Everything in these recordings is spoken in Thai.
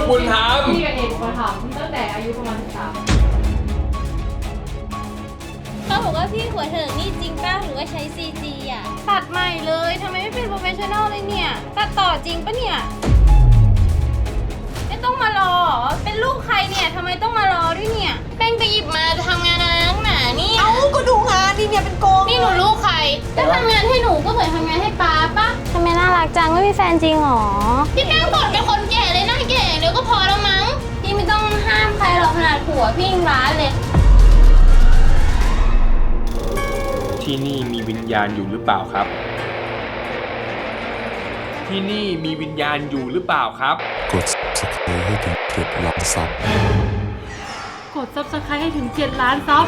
บุญธรรมพี่กับเอกมาถามตั้งแต่อายุประมาณ13 เขาบอกว่าพี่หัวเถิกนี่จริงป่ะหรือว่าใช้ CG อ่ะตัดใหม่เลยทำไมไม่เป็นโปรเฟชชั่นอลเลยเนี่ยตัดต่อจริงปะเนี่ยไม่ต้องมารอเป็นลูกใครเนี่ยทำไมต้องมารอด้วยเนี่ยแป้งไปหยิบมาจะทำงานอะไรนักหนานี่เอ้าก็ดูงานนี่เนี่ยเป็นโกงนี่หนูลูกใครจะทำงานให้หนูก็เหมือนทำงานให้ป้าปะทำไมน่ารักจังไม่มีแฟนจริงหรอพี่แป้งบ่นเป็นคนแก่เลยหน้าแก่เดี๋ยวก็พอแล้วมั้งพี่ไม่ต้องห้ามใครหรอกขนาดผัวพี่ยังร้านเลยที่นี่มีวิญญาณอยู่หรือเปล่าครับที่นี่มีวิญญาณอยู่หรือเปล่าครับกด subscribe ให้ถึง7 ล้านซับกด subscribe ให้ถึง7 ล้านซับ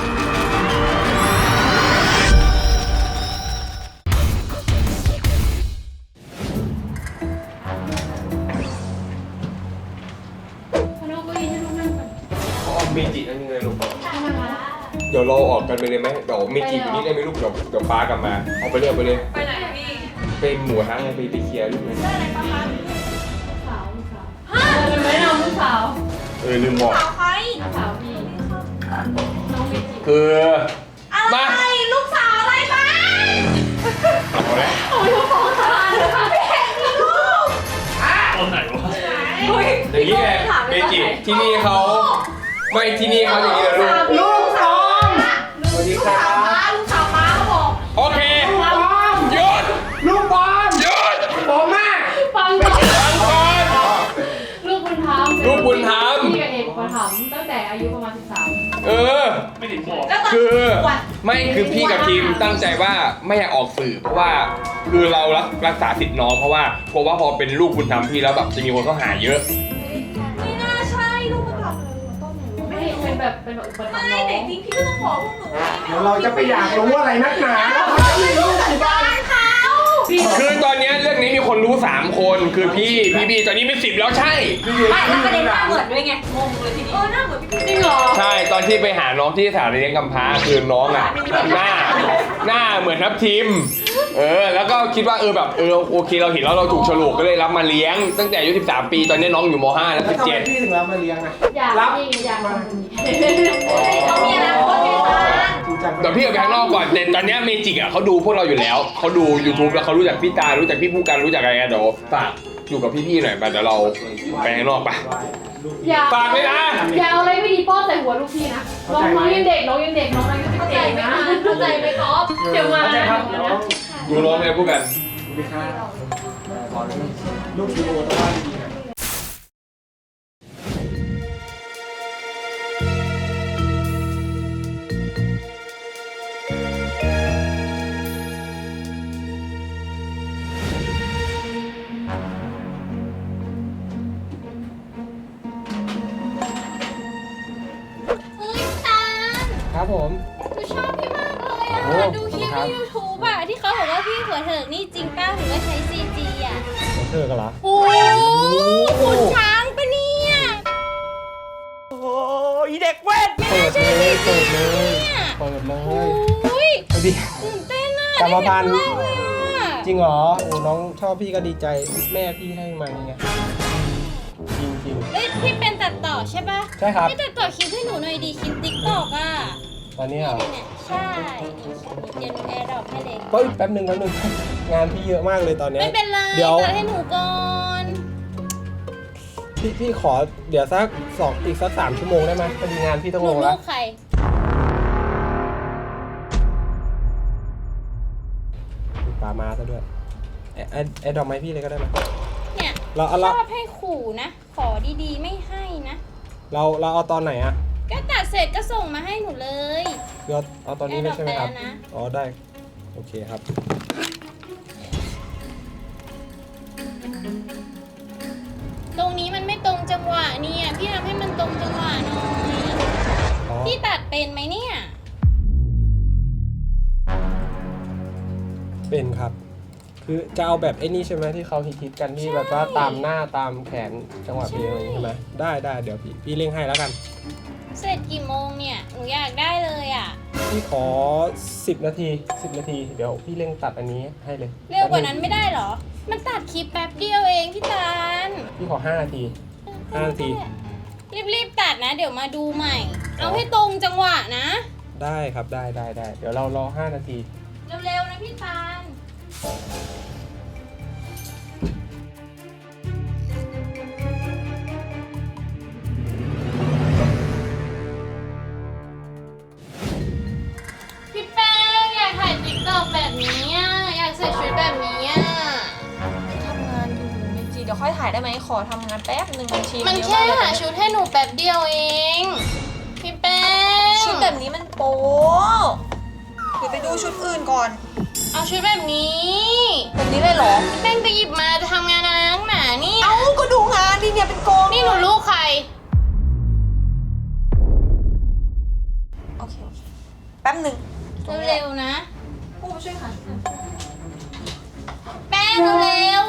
เมจินั่นยังไงลูกเดี๋ยวเราออกกันไปเลยไหมเดี๋ยวเมจิอยู่นี่ได้ไหมลูกเดี๋ยวป้ากลับมาเอาไปเรื่อยไปเลยไปไหนพี่เป็นหมูทั้งไงไปเคลียร์ลูกเลยได้อะไรประมาณลูกสาวฮะเป็นไหมน้องลูกสาวลืมบอกสาวใครลูกสาวพี่น้องเมจิคืออะไรลูกสาวอะไรบ้างเอาแล้วโอ้ยเขาฟ้องศาลเลยค่ะพี่เอกมีลูกตอนไหนวะอย่างนี้ไงเมจิที่นี่เขาไม่ที่นี่เขาอย่างนี้เลยลูกสาวสวัสดีครับลูกสาวม้าเขาบอกโอเคหยุดลูกบอลหยุดผมแม่ฟังก่อนลูกบุญธรรมลูกบุญธรรมพี่กับเอกมาถามตั้งแต่อายุประมาณ13 ไม่ติดบอกคือไม่คือพี่กับทีมตั้งใจว่าไม่อยากออกสื่อเพราะว่าคือเรารักษาสิทธิ์น้องเพราะว่ากลัวว่าพอเป็นลูกบุญธรรมพี่แล้วแบบจะมีคนเข้าหาเยอะไม่น่าใช่ลูกบุญธรรมเลยต้นหนูไม่เป็นแบบอุปถัมภ์น้องไม่แต่จริงพี่ก็ต้องบอกพวกหนูเดี๋ยวเราจะไปอยากรู้อะไรนักหนาเขาไม่รู้ที่บ้านเขาคือตอนนี้เรื่องนี้มีคนรู้3คนคือพี่ตอนนี้เป็น10แล้วใช่ไม่แล้วประเด็นหน้าเหมือนด้วยไงงงเลยทีนี้หน้าเหมือนพี่จริงเหรอใช่ตอนที่ไปหาน้องที่สถานเลี้ยงกำพร้าคือน้องอ่ะหน้าเหมือนทับทิมแล้วก็คิดว่าแบบโอเคเราเห็นแล้วเราถูกฉลกก็เลยรับมาเลี้ยงตั้งแต่อายุ13 ปีตอนนี้น้องอยู่ม.5 แล้ว17 พี่ถึงรับมาเลี้ยงนะรับมาเขามีอนาคตไงตาเดี๋ยวพี่เอาไปข้างนอกก่อนแต่ตอนนี้เมจิกอ่ะเขาดูพวกเราอยู่แล้วเขาดู YouTube แล้วเขารู้จักพี่ตารู้จักพี่ผู้กันรู้จักอะไรกันเดี๋ยวฝากอยู่กับพี่ๆหน่อยไปเดี๋ยวเราไปข้างนอกไปฝากเลยนะอย่าเอาอะไรไม่ดีป้อนใส่หัวลูกพี่นะน้องยังเด็กน้องอายุ11นะเข้าใจไหมก๊อฟเดี๋ยวมาดูน้องเลยผู้กันลูกดูแต่ว่าดีนะครับผมหนูชอบพี่มากเลยอ่ะดูคลิปใน YouTube อ่ะที่เขาบอกว่าพี่หัวเถิกนี่จริงป่ะหรือว่าใช้ CG อ่ะหัวเถิกกันเหรอโอ้ขุนช้างปะเนี่ยโอ้ยเด็กเวทไม่น่าใช่เปิดเลยโอ้ยตื่นเต้นอ่ะกรรมพันธุ์จริงเหรอโอ้น้องชอบพี่ก็ดีใจแม่พี่ให้มาไงจริงเอ้ยพี่เป็นตัดต่อใช่ป่ะใช่ครับพี่ตัดต่อคลิปให้หนูหน่อยดีคลิป TikTok อ่ะตอนนี้เหรอใช่เดี๋ยวหนูแอร์ดรอปให้เลยแป๊บนึงงานพี่เยอะมากเลยตอนนี้ไม่เป็นไรตัดให้หนูก่อนพี่ขอเดี๋ยวอีกสัก3 ชั่วโมงได้ไหมพอดีงานพี่ต้องลงแล้วลูกใครปลามาซะด้วยไอ้ดอกไม้พี่เลยก็ได้ไหมเนี่ยชอบให้ขู่นะขอดีๆไม่ให้นะเราเอาตอนไหนอะก็ตัดเสร็จก็ส่งมาให้หนูเลยเอาตอนนี้เลยใช่ไหมครับอ๋อได้โอเคครับตรงนี้มันไม่ตรงจังหวะเนี่ยพี่ทำให้มันตรงจังหวะหน่อยพี่ตัดเป็นไหมเนี่ยเป็นครับคือจะเอาแบบไอ้นี่ใช่ไหมที่เขาฮิตกันที่แบบว่าตามหน้าตามแขนจังหวะเพลงอะไรใช่ไหมได้เดี๋ยวพี่เร่งให้แล้วกันเสร็จกี่โมงเนี่ยหนูอยากได้เลยอ่ะพี่ขอ10 นาทีเดี๋ยวพี่เร่งตัดอันนี้ให้เลยเร็วกว่านั้นไม่ได้หรอมันตัดคลิปแป๊บเดียวเองพี่ตาลพี่ขอ5 นาที 5 นาทีรีบตัดนะ เดี๋ยวมาดูใหม่ เอาให้ตรงจังหวะนะได้ครับได้เดี๋ยวเรารอ5 นาทีเร็วๆนะพี่ตาลพี่แป้งอยากถ่ายติ๊กต็อกแบบนี้อ่ะ อยากใส่ชุดแบบนี้อ่ะทำงานอยู่เมจิเดี๋ยวค่อยถ่ายได้ไหมขอทำงานแป๊บหนึ่งชีมันแค่หาชุดให้หนูแป๊บเดียวเอง พี่แป้งชุดแบบนี้มันโป๊เดี๋ยวไปดูชุดอื่นก่อนเอาชุดแบบนี้แบบนี้เลยเหรอพี่แป้งไปหยิบมาจะทำงานอะไรนักหนานี่เอ้าก็ดูงานดิเนี่ยเป็นโกงนี่หนูลูกใครโอเคแป๊บหนึ่งเร็วๆนะผู้มาช่วยหาชุดหน่อยแป้งเร็ว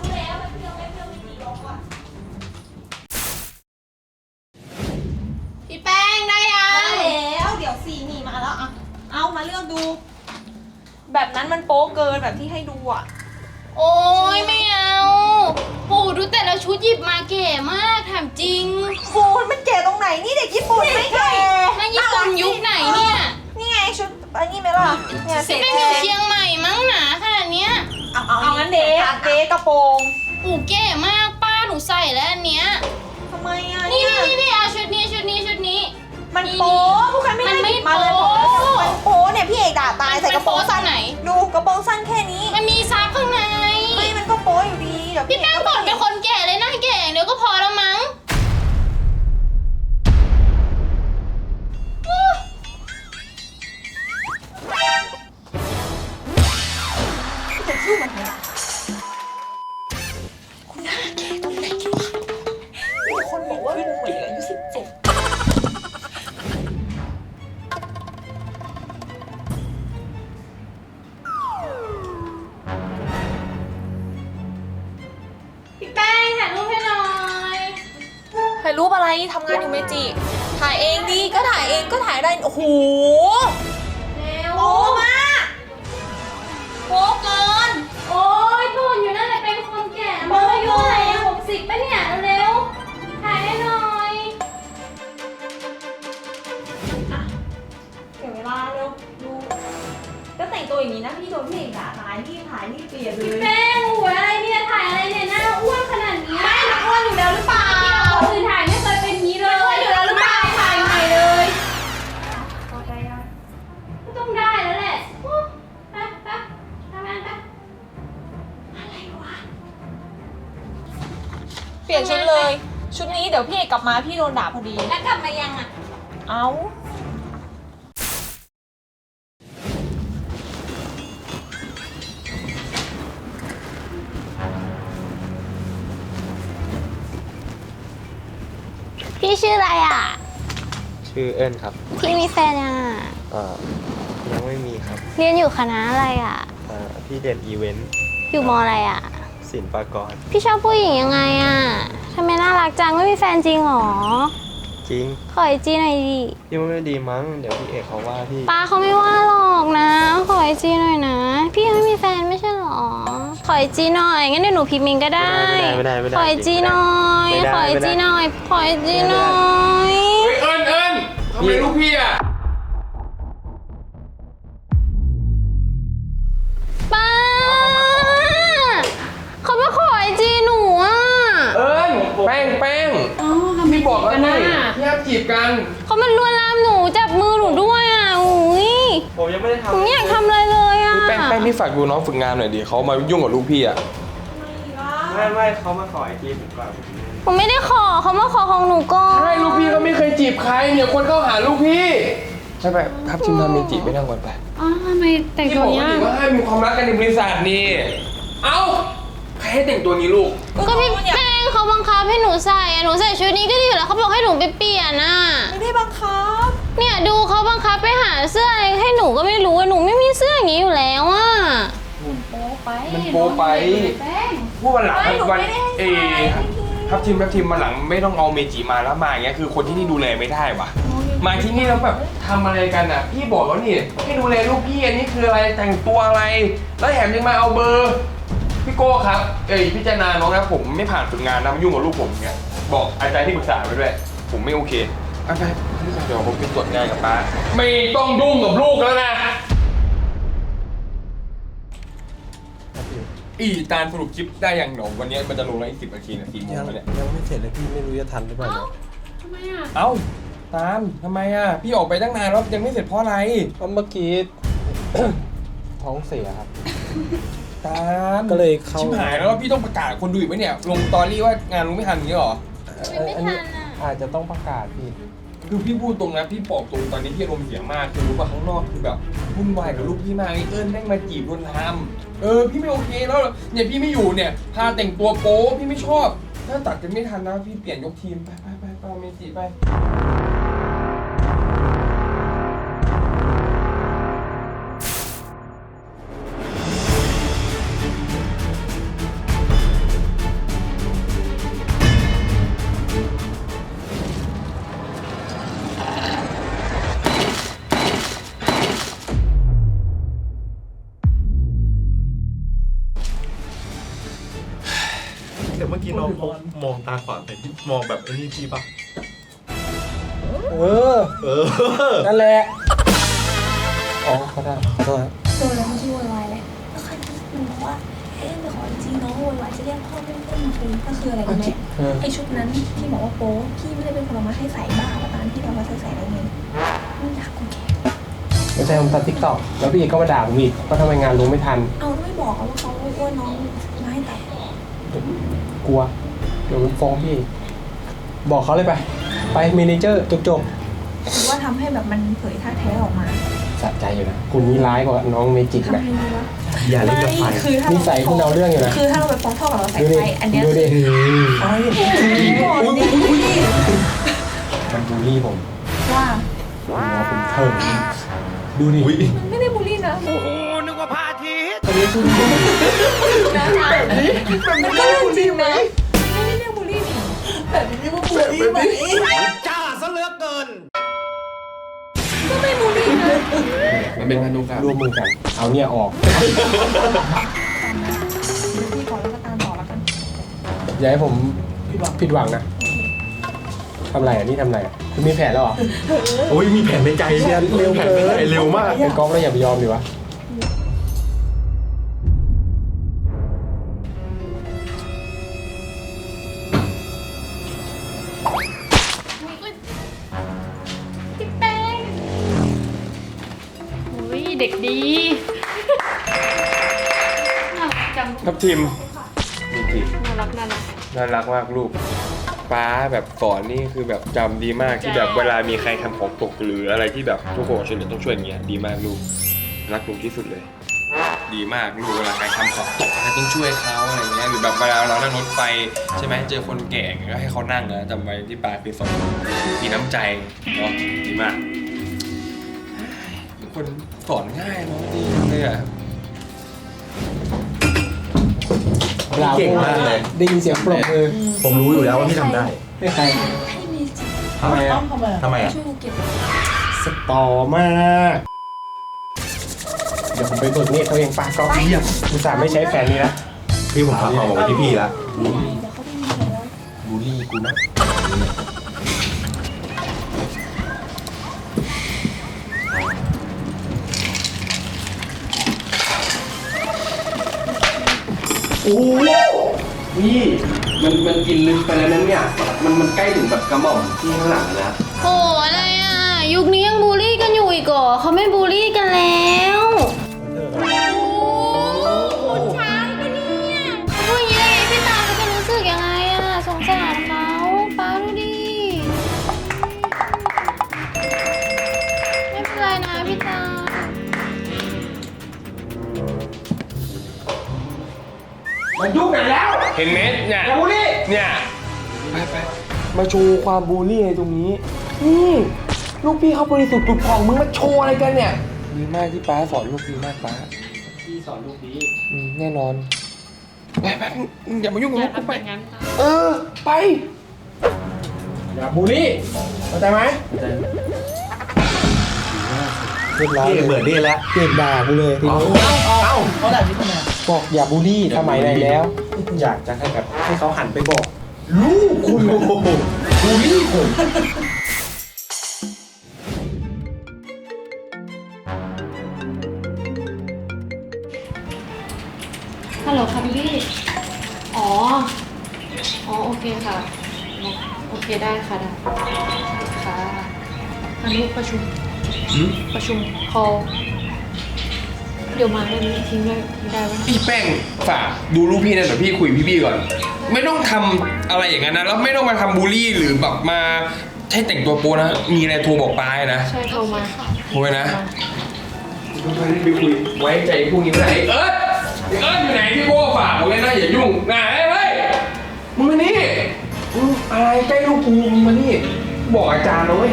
พี่แป้งได้ยัมาง แล้วเดี๋ยวสีนี่มาแล้วอ่ะเอามาเลือกดู แบบนั้นมันโป๊เกินแบบที่ให้ดูอ่ะโอ้ยไม่เอาโหดูแต่ละชุดหยิบมาเก๋มากถามจริงปูนมันเก๋ตรงไหนนี่เด็กญี่ปุ่นไม่เก๋นั่นญี่ปุ่นยุคไหนเนี่ยนี่ไงชุดอันนี้ไหมล่ะเนี่ยเสร็พี่จแป้งอยู่เชียงใหม่มั้งหนาขนาดเนี้ยเอางั้นเดกระโปรงโอ้เก๋มากป้าหนูใส่แล้วอันเนี้ยทำไมอ่ะนี่เนี่ยเอาชุดนี้ชุดนี้ชุดนี้มันโป๊ผู้ใครไม่ได้หยิบมาเลยมันไม่โป๊มันโป๊เนี่ยพี่เอกด่าตายใส่กระโปรงสั้นมันโป๊ตรงไหนดูกระโปรงสั้นแค่นี้มันมีซับข้างในไม่มันก็โป๊อยู่ดีเดี๋ยวพี่แป้งก่อนเป็นคนแก่เลยหน้าแก่เดี๋ยวก็พอแล้วมั้งคนบอกว่าเหมือนอายุ17 พี่แป้งถ่ายรูปให้หน่อยถ่ายรูปอะไรทำงานอยู่เมจิถ่ายเองดีก็ถ่ายเองก็ถ่ายได้โอ้โหเร็วโป๊มากโป๊เกินโอ้ยพูดอยู่นั่นแหละเป็นคนแก่มาอายุไหน60ปะเนี่ยเร็วๆถ่ายให้หน่อยเสียเวลาเร็วดูก็แต่งตัวอย่างนี้นะพี่โดนพี่เอกด่าตายรีบถ่ายรีบเปลี่ยนเลยแป้งหัวอะไรเนี่ยถ่ายอะไรเนี่ยหน้าอ้วนขนาดนี้ไม่หนักอ้วนอยู่แล้วหรือเปล่าคนอื่นถ่ายไม่เคยเป็นนี้เลยอ้วนอยู่แล้วหรือเปล่าถ่ายใหม่เลยพอใจยังก็ต้องได้แล้วแหละโอ้ไปทำงานไปเปลี่ยนชุดเลย ชุดนี้เดี๋ยวพี่เอกกลับมาพี่โดนด่าพอดีแล้วกลับมายังอ่ะเอาพี่ชื่ออะไรอ่ะชื่อเอิญครับพี่มีแฟนยังอ่ะยังไม่มีครับเรียนอยู่คณะอะไรอ่ะพี่เรียนอีเวนต์อยู่มอะไรอ่ะศิลปากรพี่ชอบผู้หญิงยังไงอ่ะทำไมน่ารักจังไม่มีแฟนจริงหรอจริงขอไอจีหน่อยดิพี่ว่าไม่ดีมั้งเดี๋ยวพี่เอกเขาว่าพี่ป้าเขาไม่ว่าหรอกนะ ขอไอจีหน่อยนะ พี่ยังไม่มีแฟนไม่ใช่หรอ ขอไอจีหน่อยงั้นเดี๋ยวหนูพิมพ์เองก็ได้ไม่ได้ขอไอจีหน่อยไม่ได้ขอไอจีหน่อย ขอไอจีหน่อยเฮ้ยเอิญทำไมลูกพี่อ่ะป้าเขาไม่ขอไอจีหนูอ่ะเอิญแป้งพี่บอกแล้วนี่พี่ห้ามจีบกันเขามันลวนลามหนูจับมือหนูด้วยอ่ะอุ้ยผมยังไม่ได้หทำนูไม่อยากทำอะไรเลยอ่ะแป้งพี่ฝากดูน้องฝึกงานหน่อยดิเขามายุ่งกับลูกพี่อ่ะไม่เขามาขอไอจีผมก่อนผมไม่ได้ขอเขามาขอของหนูก่อนใช่ลูกพี่ก็ไม่เคยจีบใครเนี่ยคนเข้าหาลูกพี่ใช่ไหมครับชิมทำเมจิไม่นั่งก่อนไปอ๋อทำไมแต่งที่ตับวอกเนี้ยว่าให้มีความรักกันในบริษัทนี่เอ้าใครให้แต่งตัวนี้ลูกก็พี่แป้งเขาบังคับให้หนูใส่อะหนูใส่ชุดนี้ก็ดีอยู่แล้วเขาบอกให้หนูไปเปลี่ยนน่ะไม่ได้บังคับเนี่ยดูเขาบังคับไปหาเสื้ออะไรให้หนูก็ไม่รู้อะหนูไม่มีเสื้ออย่างนี้อยู่แล้วอ่ะมันโป๊ไปพูดวันหลังวันทับทีมวันหลังไม่ต้องเอาเมจิมาแล้วมาอย่างเงี้ยคือคนที่นี่ดูแลไม่ได้ว่ะมาที่นี่แล้วแบบทำอะไรกันอ่ะพี่บอกแล้วนี่ให้ดูแลลูกพี่อันนี้คืออะไรแต่งตัวอะไรแล้วแถมยังมาเอาเบอร์พี่โก้ครับพิจารณาน้องนะผมไม่ผ่านฝึกงานนะมายุ่งกับลูกผมเงี้ยบอกอาจารย์ที่ปรึกษาไปด้วย ผมไม่โอเคไปเดี๋ยวผมไปตรวจงานกับป้าไม่ต้องยุ่งกับลูกแล้วนะตาลสรุปคลิปได้ยังหนอวันนี้มันจะลงแล้วอีก10 นาทีนะ4 โมงยังแล้วเนี่ยไม่เสร็จเลยพี่ไม่รู้จะทันหรือเปล่าเอ้าทำไมอ่ะเอ้าตาลทำไมอ่ะพี่ออกไปตั้งนานแล้วยังไม่เสร็จเพราะอะไรเพราะเมื่อกี้ ท้องเสียครับตาลก็เลยเข้าชิบหายแล้วพี่ต้องประกาศคนดูอีกไหมเนี่ยลงตอรี่ว่างานลงไม่ทันอย่างนี้หรอไม่ทันอ่ะอาจจะต้องประกาศพี่คือพี่พูดตรงนะพี่บอกตรงตอนนี้พี่อารมณ์เสียมากคือรู้ป่ะข้างนอกคือแบบวุ่นวายกับลูกพี่มากไอ้เอิญแม่งมาจีบลวนลามพี่ไม่โอเคแล้วเนี่ยพี่ไม่อยู่เนี่ยพาแต่งตัวโป๊พี่ไม่ชอบถ้าตัดกันไม่ทันนะพี่เปลี่ยนยกทีมไปเมจิไปแต่เมื่อกี้น้องเขามองตาขวางแต่ที่มองแบบไอ้นี่พี่ปะเออ นั่นแหละ อ๋อเขาได้ขอโทษครับโดนแล้วมันชื่อโวยวายเลยแล้วใครมันบอกว่าเอ๊ะไปขอจริงน้องโวยวายจะเรียกพ่อเล่นๆมาคุยก็คืออะไรรู้ไหมไอชุดนั้นที่บอกว่าโป๊พี่ไม่ได้เป็นคนเอามาให้ใส่บ้าว่าตอนที่เรามาใส่ได้ไงมันอยากกูแค่ไม่ใช่ผมตัดทิกตอกแล้วพี่เอกก็มาด่าผมอีกว่าทำไมงานลงไม่ทันเอาไม่บอกว่าเขาอ้วนน้องมาให้ตัดกลัว เดี๋ยวมันฟ้องพี่ บอกเขาเลยไปเมเนเจอร์จบหรือว่าทำให้แบบมันเผยท่าแท้ออกมาๆสะใจอยู่นะ คุณนี่ร้ายกว่าน้องเมจิกทำนะให้รู้ว่าอย่าเล่นกับไฟคือถ้านิสัยคุณเอาเรื่องอยู่นะคือถ้าเราไปฟ้องพ่อกับเราใส่ดูดิไฟอันเนี้ยดูดิโอ้ยโอ้ยมันบูลลี่ผมว่าผมว่าเป็นเถิงดูดิมันไม่ได้บูลลี่นะคนนี้คือมันก็เรื่องจริงไหมไม่ได้เรียกบูลลี่นี่แบบนี้ว่าบูลลี่ไหมจ้าซะเหลือเกินก็ไม่บูลลี่นะมันเป็นพันธุกรรมร่วมมือกัน เอาเนี่ยออกตามนะดูพี่ก่อนแล้วก็ตามต่อแล้วกันอย่าให้ผมผิดหวังนะทำไรอ่ะนี่ทำไรอ่ะคุณมีแผนแล้วเหรอโอ้ยมีแผนในใจเร็วเกินแผนในใจเร็วมากเป็นกองแล้วอย่าไปยอมดิวะพี่แป้งอุ้ยเด็กดีน่ารักจังทับทิมมีจิน่ารักน่ารักมากลูกป้าแบบสอนนี่คือแบบจำดีมากที่แบบเวลามีใครทำของตกหรืออะไรที่แบบทุกคนช่วยเหลือต้องช่วยอย่างเงี้ยดีมากลูกรักลูกที่สุดเลย ดีมากลูกเวลาใครทำของตกอะไรต้องช่วยเขาอะไรเงี้ยหรือแบบเวลาเรานั่งรถไฟใช่ไหมเจอคนแก่ก็ให้เขานั่งนะจำไว้ที่ป้าคือสอนมีน้ำใจเนาะดีมากเป็นคนสอนง่ายเนาะดีเลยอ่ะเก่งมากเลยได้ยินเสียงปรบมือผมรู้อยู่แล้วว่าพี่ทำได้ให้ใครให้เมจิทำไมอ่ะทำไมอ่ะช่วยกูเก็บสตอมาก เดี๋ยวผมไปเบิกเนตรเขาเองป้าก็เยี่ยมอุตส่าห์ไม่ใช้แผนนี้นะพี่ผมฝากความหวังไว้ที่พี่แล้วเดี๋ยวเขาไม่มีแล้วบูลลี่กูนะโอ้พี่มันกินลึกไปแล้วนั้นเนี่ย มันใกล้ถึงแบบกระหม่อมที่ข้างหลังแล้วโหอะไรอ่ะ ยุคนี้ยังบูลลี่กันอยู่อีกเหรอเขาไม่บูลลี่กันแล้วคุณช้างปะเนี่ยพูดอย่างนี้ได้ไงพี่ตาจะรู้สึกยังไงอ่ะสงสารเขาป้าดูดิไม่เป็นไรนะพี่ตามันยุ่งไหนแล้วเห็นไหมเนี่ยอย่าบูลลี่เนี่ยไปมาโชว์ความบูลลี่ในตรงนี้นี่ลูกพี่เขาบริสุทธิ์ผุดผ่องมึงมาโชว์อะไรกันเนี่ยดีมากที่ป้าสอนลูกดีมากป้าพี่สอนลูกดีแน่นอนไปอย่ามายุ่งกับอลูย่ากกูทำไปอย่างนั้นค่ะไปอย่าบูลลี่เข้าใจไหมเรียบร้อยพี่เบื่อนี่แล้วเด็กด่ากูเลยทีนี้เขาด่าพี่ทำไมบอกอย่าบูลลี่สมัยไหนแล้ว อยากจะให้แบบให้เขาหันไปบอกลูกคุณโอ้โหบูลลี่ผมฮัลโหลค่ะบิลลี่อ๋อโอเคค่ะโอเคได้ค่ะได้ค่ะอันนี้ประชุมcall เดี๋ยวมาได้ไหมทิ้งได้ไหมพี่แป้งฝากดูรูปพี่นะเดี๋ยวพี่คุยพี่ก่อน ไม่ต้องทำอะไรอย่างนั้นนะแล้วไม่ต้องมาทำบูลลี่หรือแบบมาให้แต่งตัวโป๊นะมีอะไรโทรบอกป้านะใช่โทรมาโทรไปนะไปคุยไว้ใจพวกนี้ไม่ได้เอิร์ธอยู่ไหนพี่โบ้ฝากผมเลยนะอย่ายุ่งนะเฮ้ยมึงมานี่มึงอะไรใกล้ลูกกูมึงมานี่บอกอาจารย์นะเว้ย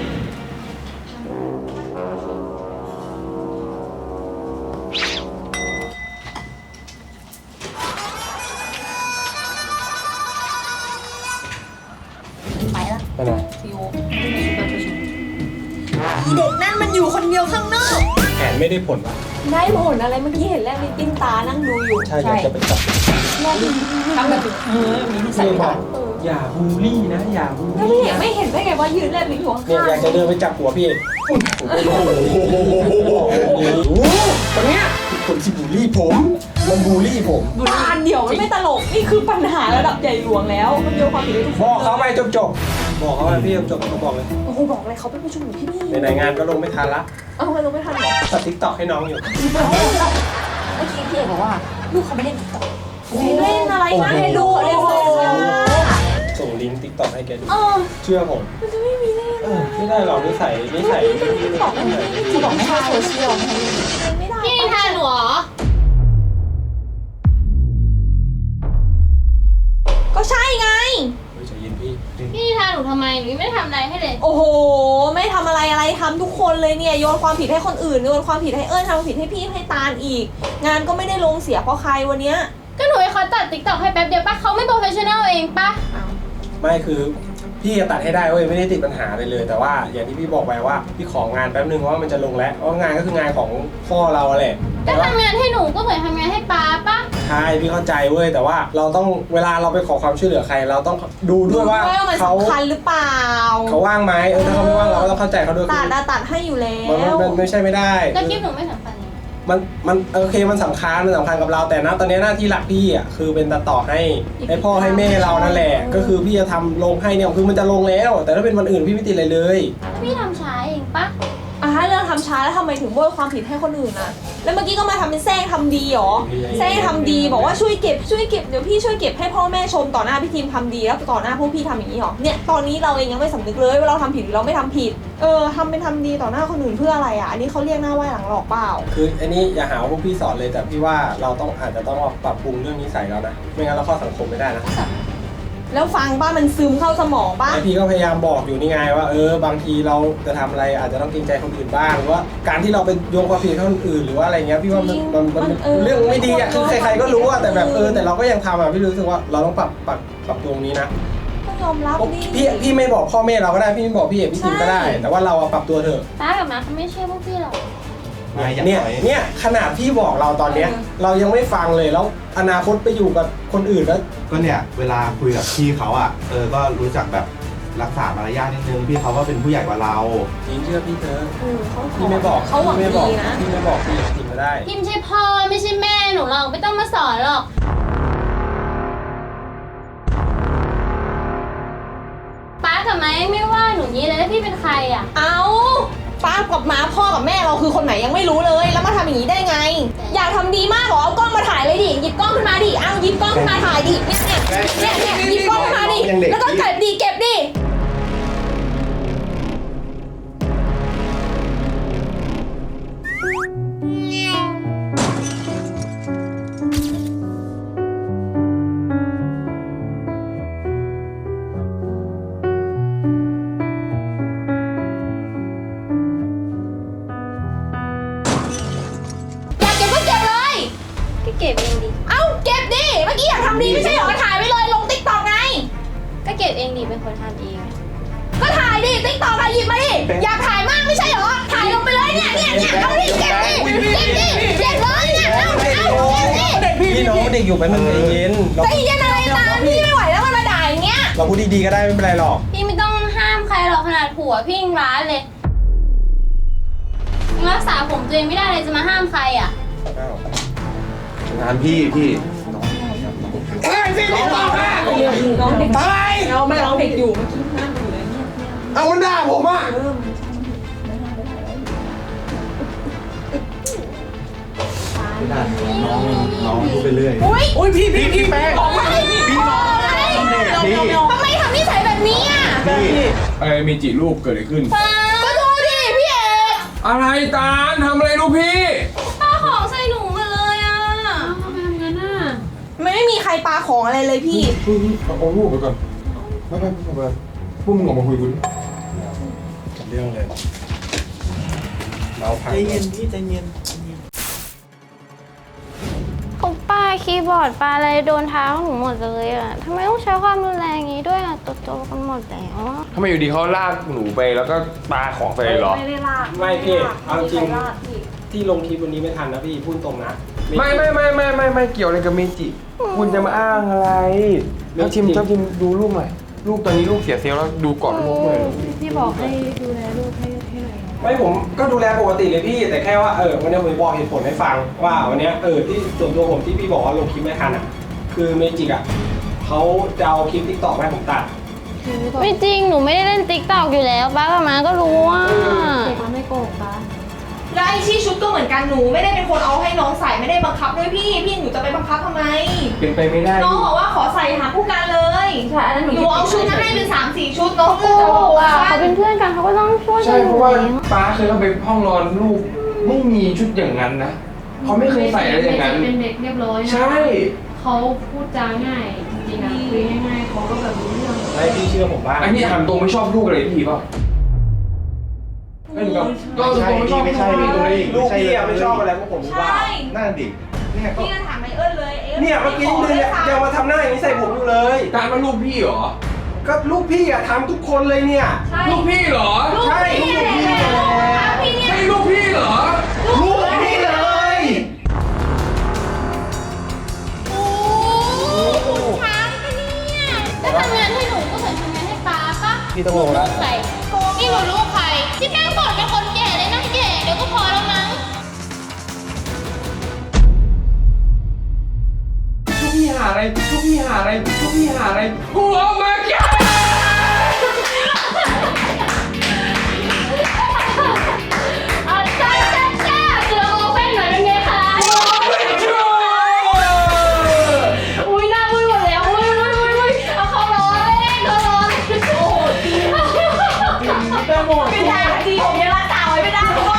ไปละไปไหนซีโอประชุมอีเด็กนั่นมันอยู่คนเดียวข้างนอกแผนไม่ได้ผลปะได้ผลอะไรเมื่อกี้เห็นแลบลิ้นปิ้นตานั่งดูอยู่ใช่อยากจะไปจับทำแบบมีนิสัยพี่บอกอย่าบูลลี่นะอย่าบูลแล้วลี่ไม่เห็นได้ไงว่ายืนแลบลิ้นอยู่ข้างเนี่ยอยากจะเดินไปจับหัวพี่เอกโอ้โหคนเนี้ยคนที่บูลลี่ผมมันบูลลี่ผมๆตาเดี่ยวมันไม่ตลกนี่คือปัญหาระดับใหญ่หลวงแล้วมันโยนความผิดให้ทุกคนบอกเขาไปจบบอกเขาไปพี่จบเขาบอกเลยโอ้โหบอกเลยเขาเป็นผู้ชุมนุมที่นี่ในงานก็ลงไม่ทันละเอาไปลงไม่ทันเหรอตัดทิกตอกให้น้องอยู่เมื่อกี้พี่เอกบอกว่าลูกเขาไม่เล่นติ๊กต็อกเล่นอะไรนะให้ดูเขาเล่นโซเชียลส่งลิงก์ทิกตอกให้แกดูเออเชื่อผมมันจะไม่มีเล่นไม่ได้หรอกนิสัยติ๊กต็อกไม่ได้ที่บอกไม่ให้โซเชียลไม่ได้พี่นิทานหนูเหรอก็ใช่ไงเฮ้ยใจเย็นพี่พี่นิทานหนูทำไมหนูยังไม่ได้ทำอะไรให้เลยโอ้โห ไม่ทำอะไรทำทุกคนเลยเนี่ยโยนความผิดให้คนอื่นโยนความผิดให้เอิญทำความผิดให้พี่ให้ตาลอีก งานก็ไม่ได้ลงเสียเพราะใครวันเนี้ยก็หนูให้เขาตัดติ๊กต็อกให้แป๊บเดียวปะเขาไม่โปรเฟชชั่นแนลเองปะไม่คือพี่จะตัดให้ได้เว้ยไม่ได้ติดปัญหาเลย แต่ว่าอย่างที่พี่บอกไปว่าพี่ของานแป๊บนึงเพราะว่ามันจะลงแล้วเพราะงานก็คืองานของพ่อเราแหละก็ทำงานให้หนูก็เหมือนทำงานให้ป้าปะใช่พี่เข้าใจเว้ยแต่ว่าเราต้องเวลาเราไปขอความช่วยเหลือใคร เราต้องดูด้วยว่ามันเขาสำคัญหรือเปล่าเขาว่างไหมถ้าเขาไม่ว่างเราก็ต้องเข้าใจเขาด้วยตัดให้อยู่แล้มันไม่ใช่ไม่ได้แล้วคลิปหนูไม่สำคัญเลยมันโอเคมันสำคัญกับเราแต่นะตอนนี้หน้าที่หลักพี่อ่ะคือเป็นตัดต่อให้พ่อให้แม่เรานั่นแหละ ก็คือพี่จะทำลงให้เนี่ยคือมันจะลงแล้ว แต่ถ้าเป็นวันอื่นพี่ไม่ติดอะไรเลยแล้วพี่ทำช้าเองปะเรื่องทำช้าแล้วทำไมถึงโบยความผิดให้คนอื่นนะแล้วเมื่อกี้ก็มาทำเป็นแซงทำดีหรอแซงทำดีบอกว่าช่วยเก็บเดี๋ยวพี่ช่วยเก็บให้พ่อแม่ชมต่อหน้าพี่ทีมทำดีแล้วต่อหน้าพวกพี่ทำอย่างนี้หรอเนี่ยตอนนี้เราเองยังไม่สำนึกเลยว่าเราทำผิดหรือเราไม่ทำผิดทำเป็นทำดีต่อหน้าคนอื่นเพื่ออะไรอ่ะอันนี้เขาเรียกหน้าไหว้หลังหลอกเปล่าคืออันนี้อย่าหาว่าพวกพี่สอนเลยแต่พี่ว่าเราต้องอาจจะต้องปรับปรุงเรื่องนิสัยแล้วนะไม่งั้นเราเข้าสังคมไม่ได้นะแล้วฟังป้ามันซึมเข้าสมองป้าไอพี่ก็พยายามบอกอยู่นี่ไงว่าบางทีเราจะทำอะไรอาจจะต้องเกรงใจคนอื่นบ้างหรือว่าการที่เราไปโยงความผิดให้คนอื่นหรือว่าอะไรเงี้ยพี่ว่ามันเรื่องไม่ดีอ่ะคือใครๆก็รู้อ่ะแต่แบบแต่เราก็ยังทำอ่ะพี่รู้สึกว่าเราต้องปรับตรงนี้นะก็ยอมรับดิพี่ไม่บอกพ่อแม่เราก็ได้พี่ไม่บอกพี่เอกพี่ทิมก็ได้ แต่ว่าเราปรับตัวเถอะป้ากับมาเขาไม่เชื่อพวกพี่หรอกเนี่ยขนาดพี่บอกเราตอนเนี้ยเรายังไม่ฟังเลยแล้วอนาคตไปอยู่กับคนอื่นแล้วก็เนี่ยเวลาคุยกับพี่เขาอ่ะก็รู้จักแบบรักษามารยาทนิดนึงพี่เขาก็เป็นผู้ใหญ่กว่าเราจริงเชื่อพี่เถอะเขาพี่ไม่บอกเขาหวังพี่ไม่บอกดีนะพี่ไม่บอกพี่ทิมก็ได้พี่ไม่ใช่พ่อไม่ใช่แม่หนูหรอกไม่ต้องมาสอนหรอกป้ากับไม้ไม่ว่าหนูนี้เลยแล้วพี่เป็นใครอ่ะเอาป้ากับม้าพ่อกับแม่เราคือคนไหนยังไม่รู้เลย แล้วมาทำอย่างนี้ได้ไง อยากทำดีมากเหรอเอากล้องมาถ่ายเลยดิหยิบกล้องขึ้นมาดิเอาหยิบกล้องขึ้นมาถ่ายดิเนี่ยหยิบกล้องขึ้นมาดิแล้วก็เก็บดิ อยากเก็บก็เก็บเลยก็เก็บเองดิเอาเก็บดิเมื่อกี้อยากทำดีไม่ใช่เหรอถ่ายไว้เลยลงติ๊กต็อกไงก็เก็บเองดิเป็นคนทำเองก็ถ่ายดิติ๊กต็อกหยิบมาดิอยากถ่ายมากไม่ใช่เหรอถ่ายลงไปเลยเนี่ยเอาดิเก็บเลยเนี่ยเอาเก็บดิพี่น้องเด็กอยู่ไปมันใจเย็นใจเย็นอะไรตามพี่ไม่ไหวแล้วมันมาด่าอย่างเงี้ยเราพูดดีๆก็ได้ไม่เป็นไรหรอกพี่ไม่ต้องห้ามใครหรอกขนาดผัวพี่ยังร้านเลยรักษาผมตัวเองไม่ได้เลยจะมาห้ามใครอ่ะงานพี่อะไรสินี่บอกนะน้องเด็กอะไรเราไม่ร้องเด็กอยู่เมื่อกี้นั่งอยู่เลยเนี่ยเอามันด่าผมอ่ะน้องพูดไปเรื่อยอุ้ยพี่แม่บอกว่าพี่น้องพี่ทำไมทำนิสัยแบบนี้อ่ะอะไรมีจีลูกเกิดอะไรขึ้นก็ดูดิพี่เอกอะไรตาลทำอะไรลูกพี่ปาของใส่หนูมาเลยอ่ะทำไมทำงั้นน่ะไม่มีใครปาของอะไรเลยพี่เอาลูกไปก่อนไม่พวกมึงออกมาคุยกันเรื่องเลยเราพังใจเย็นพี่ใจเย็นเขาป้าคีย์บอร์ดปาอะไรโดนเท้าหนูหมดเลยอ่ะทำไมต้องใช้ความรุนแรงอย่างนี้ด้วยอ่ะโตๆกันหมดแล้วทำไมอยู่ดีเขาลากหนูไปแล้วก็ปาของใส่เลยเหรอไม่ได้ลากไม่พี่เอาจริงไม่ได้ลากพี่ที่ลงคลิปวันนี้ไม่ทันนะพี่พูดตรงนะไม่เกี่ยวอะไรกับเมจิ คุณจะมาอ้างอะไรแล้วชิมดูลูกหน่อยลูกตอนนี้ลูกเสียเซลล์แล้วดูก่อนลูกหน่อยพี่บอกให้ดูแลลูกให้หน่อยไม่ผมก็ดูแลปกติเลยพี่ แต่แค่ว่าวันนี้ผมบอกเหตุผลให้ฟังว่าวันนี้ที่ส่วนตัวผมที่พี่บอกว่าลงคลิปไม่ทันอ่ะคือเมจิกอ่ะเขาจะเอาคลิปทิกตอกให้ผมตัดไม่จริงหนูไม่ได้เล่นติ๊กตอกอยู่แล้วป้ากับมาก็รู้ว่าเด็กมันไม่โกหกปะแล้วไอ้ชี้ชุดก็เหมือนกันหนูไม่ได้เป็นคนเอาให้น้องใส่ไม่ได้บังคับด้วยพี่หนูจะไปบังคับทำไมเป็นไปไม่ได้น้องบอกว่าขอใส่หาผู้กันเลยใช่แล้วหนูเอาชุดมาให้เป็น3-4 ชุดน้องโกหกอ่ะเขาเป็นเพื่อนกันเขาก็ต้องช่วยกัใช่นเพราะว่าป้าเคยเข้าไปห้องนอนลูกไม่มีชุดอย่างนั้นนะเขาไม่เคยใส่อะไรอย่างนั้นเป็นเด็กเรียบร้อยนะใช่เขาพูดจาง่ายจริงๆนะคุยง่ายๆเขาก็แบบรู้เรื่องให้พี่เชื่อผมบ้างอันนี้ถามตรงไม่ชอบลูกอะไรพี่ป่ะไม่รู้ก็ตรงไม่ชอบไม่ใช่พี่ตรงนี้ลูกพี่อะไม่ชอบอะไรพวกผมหรือเปล่านั่นดิเนี่ยก็พี่ก็ถามไอเอิญเลยเนี่ยเมื่อกี้เนี่ยยังมาทำหน้าอย่างนี้ใส่ผมอยู่เลยการว่าลูกพี่เหรอก็ลูกพี่อะทำทุกคนเลยเนี่ยลูกพี่เหรอใช่ลูกพี่เลยใช่ลูกพี่เหรอลูกพี่เลยโอ้คุณช้างปะเนี่ยถ้าทำงานให้หนูก็เหมือนทำงานให้ป้าปะพี่ต้องลงแล้วใครนี่หนูลูกใครที่แม่งบ่นเป็นคนแก่เลยนะแก่เดี๋ยวก็พอแล้วมั้งลูกพี่หาอะไรกูเอามาแก่จ้าเสือโอเพ่นหน่อยเป็นไงคะ อุ้ยหน้ามืดหมดแล้วอุ้ยเอาเขาร้อนเลยเขาร้อนโอ้โหจริงไม่ได้จริงผมยังรักษาไว้ไม่ได้ทุกคน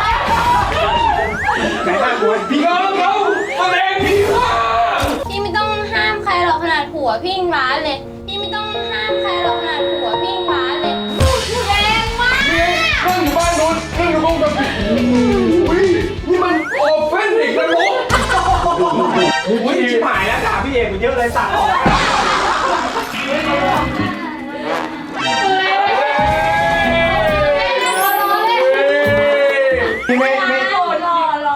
ไหนหน้ากลัวพี่เขาแรงพี่ว่าพี่ไม่ต้องห้ามใครหรอกขนาดผัวพี่ยังร้านเลยพี่ไม่ต้องห้ามใครหรอกขนาดผัวพี่ยังร้านเลยแรงมากนั่งอยู่บ้านนู้นนั่งอยู่ห้องกับอุ้ยนี่มันโอเฟนเด็กนรกอุ้ยชิบหายแล้วด่าพี่เอกกูเยอะเลยสั่งออกพี่ไม่หล่อแล้วหล่อ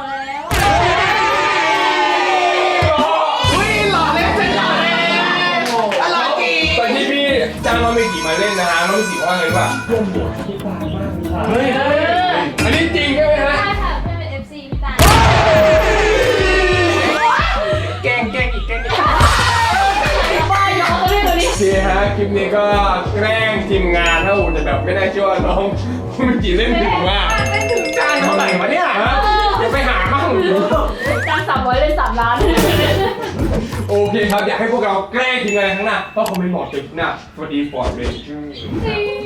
แล้วฉันหล่อแล้วอะไรกีตอนที่พี่จ้างน้องเมจิมาเล่นนะฮะน้องเมจิว่าไงวะเฮ้ยอันนี้จริงใช่ไหมฮะใช่ค่ะเพื่อนเป็น FC พี่ตาแกล้งอีกโอเคฮะคลิปนี้ก็แกล้งทีมงานถ้าอูจะแบบไม่ได้เชื่อว่าน้องเมจิเล่นถึงมากจ้างเท่าไหร่วะเนี่ยฮะเดี๋ยวไปหามั่งจ้าง300เลย3 ล้านโอเคครับอยากให้พวกเราแกล้งทีมงานข้างหน้าก็คอมเมนต์บอกจุดหน้าสวัสดีฟอร์ดเลยจริง